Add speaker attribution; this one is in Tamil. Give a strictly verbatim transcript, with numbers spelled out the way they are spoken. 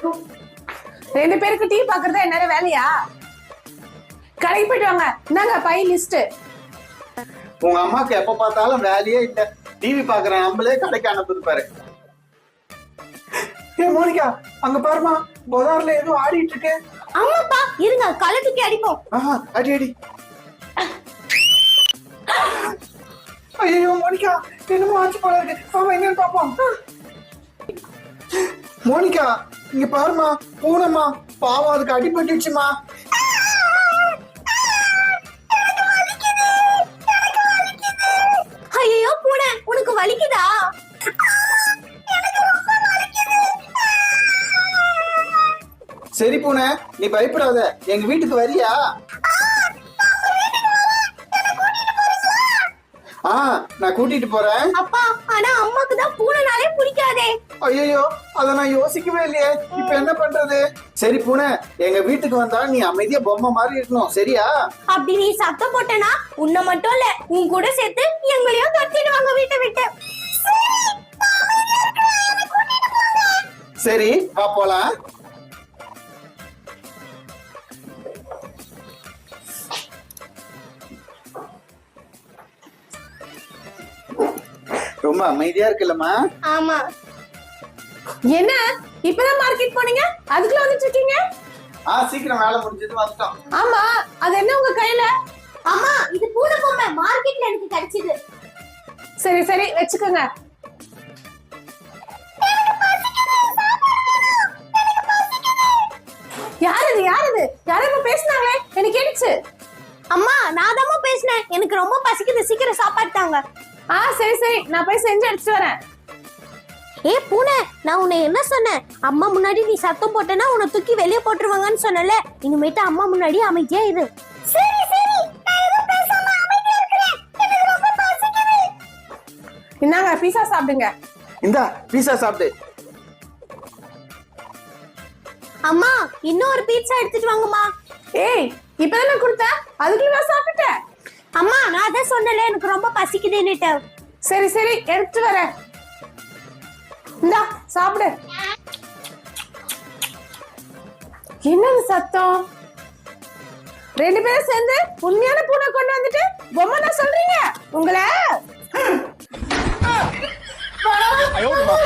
Speaker 1: ரெண்டு பேருக்கு டீ பாக்குறதா என்ன வேலையா? கடைக்கு போயிட்டு வாங்க. இந்தாங்க பை லிஸ்ட்.
Speaker 2: உங்க அம்மாக்கு எப்ப பார்த்தாலும் வேலையே இல்ல. டிவி பாக்குற நம்மளே கடைக்கு அனுப்புது பாரு. ஏ மோனிகா, அங்க பாருமா, பஜார்ல ஏதோ ஆடிட்டு இருக்கு.
Speaker 3: ஆமாப்பா, இருங்க கலத்துக்கு அடிப்போம்.
Speaker 2: ஆஹா, அடி அடி. ஐயோ மோனிகா, என்னமோ ஆச்சு போல இருக்கு. பாப்பா என்னன்னு பாப்போம். மோனிகா, இங்க பாருமா, பூனைமா, பாவம் அதுக்கு அடிபட்டுச்சுமா.
Speaker 3: ஐயோ பூனை, உனக்கு வலிக்குதா?
Speaker 2: சரி பூனை, நீ பயப்படாத, எங்க வீட்டுக்கு வரியா? ஆ, நான் கூட்டிட்டு போறேன்.
Speaker 3: அப்பா, ஆனா அம்மாக்கு தான் பூனைனாலே பிடிக்காதே.
Speaker 2: ஐயோ, அத நான் யோசிக்கவே இல்லையே. இப்ப என்ன பண்றது? சரி பூனை, எங்க வீட்டுக்கு வந்தா நீ அமைதியா பொம்மை மாதிரி இருக்கணும், சரியா?
Speaker 3: அப்படி நீ சத்தம் போட்டனா உன்னை மட்டும் இல்ல, உன் கூட சேர்த்து எங்களையும் கத்திடுவாங்க வீட்டை விட்டு.
Speaker 2: சரி, வா போலாம். ரொம்ப அமைதியா இருக்குல்லம்மா.
Speaker 3: ஆமா.
Speaker 1: என்ன இப்பதான் மார்க்கெட் போனீங்க, அதுக்குள்ள வந்துட்டு இருக்கீங்க?
Speaker 2: ஆ, சீக்கிரம் வேலை முடிஞ்சது வந்துட்டோம்.
Speaker 1: ஆமா, அது என்ன உங்க கையில?
Speaker 3: அம்மா, இது பூனை பொம்மை, மார்க்கெட்ல எனக்கு கிடைச்சது.
Speaker 1: சரி சரி வச்சுக்கோங்க. யாரது யாரது யாரோ பேசினாங்களே, எனக்கு கேட்டுச்சு.
Speaker 3: அம்மா, நான் தான் பேசினேன், எனக்கு ரொம்ப பசிக்குது, சீக்கிரம் சாப்பாடு தாங்க.
Speaker 1: ஆ சரி சரி, நான் போய் செஞ்சு எடுத்துட்டு வரேன்.
Speaker 3: ஏ பூனை, நான் உன்னை என்ன சொன்னேன்? அம்மா முன்னாடி நீ சத்தம் போட்டனா உன்னை தூக்கி வெளியே போட்டுருவாங்கன்னு சொன்னல. இனிமேட்டு அம்மா முன்னாடி அமைதியா இரு. சரி சரி, நான் எதுவும் பேசாம அமைதியா இருக்கேன். எனக்கு ரொம்ப பசிக்குது.
Speaker 1: இந்தாங்க பீஸா சாப்பிடுங்க.
Speaker 2: இந்தா பீஸா சாப்பிடு.
Speaker 3: அம்மா, இன்னொரு பீட்சா எடுத்துட்டு வாங்கம்மா.
Speaker 1: ஏய், இப்பதானே நான் கொடுத்தேன், அதுக்குள்ள நான் சாப்பிட்டுட்டேன்.
Speaker 3: அம்மா, நான் தான் சொன்னல எனக்கு ரொம்ப பசிக்குதுன்னுட்டு.
Speaker 1: சரி சரி எடுத்துட்டு வரேன். இந்தா சாப்பிடு. என்னது சத்தம்? ரெண்டு பேரும் சேர்ந்து உண்மையான பூனை கொண்டு வந்துட்டு பொம்மை நான் சொல்றீங்க உங்களை?